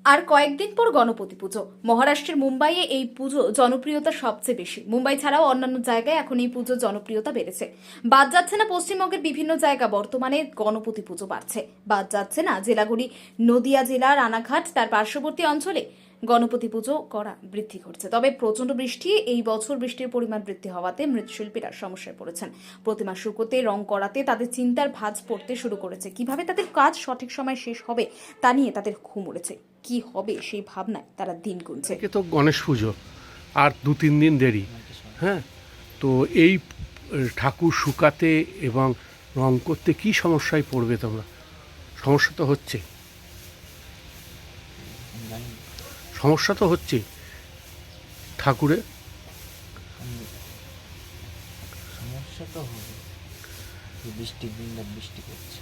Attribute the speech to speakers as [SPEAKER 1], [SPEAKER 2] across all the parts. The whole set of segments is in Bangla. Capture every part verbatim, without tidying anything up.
[SPEAKER 1] আর কয়েকদিন পর গণপতি পুজো। মহারাষ্ট্রের মুম্বাইয়ে এই পুজো জনপ্রিয়তা সবচেয়ে বেশি। মুম্বাই ছাড়াও অন্যান্য জায়গায় এখন এই পুজোর জনপ্রিয়তা বেড়েছে। বাদ যাচ্ছে না পশ্চিমবঙ্গের বিভিন্ন জায়গা বর্তমানে গণপতি পুজো বাড়ছে। বাদ যাচ্ছে না জেলাগুলি, নদিয়া জেলার রানাঘাট তার পার্শ্ববর্তী অঞ্চলে গণপতি পুজো করা বৃদ্ধি ঘটছে। তবে প্রচন্ড বৃষ্টি এই বছর বৃষ্টির পরিমাণ বৃদ্ধি হওয়াতে মৃৎশিল্পীরা সমস্যায় পড়েছেন। প্রতিমা শুকোতে, রং করাতে তাদের চিন্তার ভাঁজ পড়তে শুরু করেছে। কিভাবে তাদের কাজ সঠিক সময় শেষ হবে তা নিয়ে তাদের ঘুম উড়েছে। কি হবে সেই ভাবনায় তারা দিন গুনছে।
[SPEAKER 2] আজকে তো গণেশ পুজো আর দু তিন দিন দেরি। হ্যাঁ, তো এই ঠাকুর শুকাতে এবং রং করতে কি সমস্যায় পড়বে তোমরা? সমস্যা তো হচ্ছে, সমস্যা তো হচ্ছে ঠাকুরে।
[SPEAKER 3] সমস্যা তো হবে, বৃষ্টির দিনটা বৃষ্টি করছে,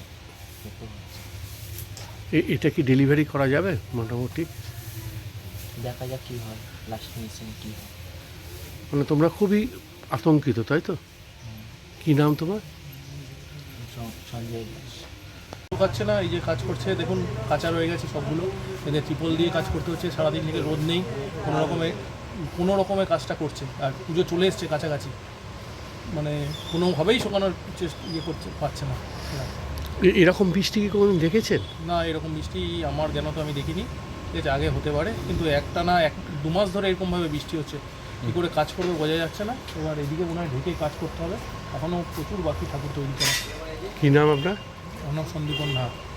[SPEAKER 2] এটা কি ডেলিভারি করা যাবে? মোটামুটি
[SPEAKER 3] দেখা যাক কি হয়, লাস্ট ফিনিশিং কি হয়।
[SPEAKER 2] মানে তোমরা খুবই আতঙ্কিত, তাই তো? কি নাম তোমার?
[SPEAKER 3] সঞ্জয় দাস।
[SPEAKER 4] পাচ্ছে না, এই যে কাজ করছে দেখুন, কাঁচা রয়ে গেছে সবগুলো। এদের ত্রিপল দিয়ে কাজ করতে হচ্ছে সারাদিন থেকে, রোদ নেই, কোনো রকমে কোনো রকমের কাজটা করছে। আর পুজো চলে এসছে কাছাকাছি, মানে কোনোভাবেই শোকানোর চেষ্টা ইয়ে করছে পারছে না।
[SPEAKER 2] এরকম বৃষ্টি কি কোনোদিন দেখেছেন?
[SPEAKER 4] না, এরকম বৃষ্টি আমার জ্ঞান তো আমি দেখিনি। ঠিক আছে, আগে হতে পারে, কিন্তু একটা না এক দু মাস ধরে এরকমভাবে বৃষ্টি হচ্ছে, কী করে কাজ করবে বোঝা যাচ্ছে না। এবার এদিকে মনে হয় ঢেকে কাজ করতে হবে, এখনও প্রচুর বাকি ঠাকুর তৈরি করা।
[SPEAKER 2] কী নাম আপনার?
[SPEAKER 4] আমার নাম সন্দীপন নাথ।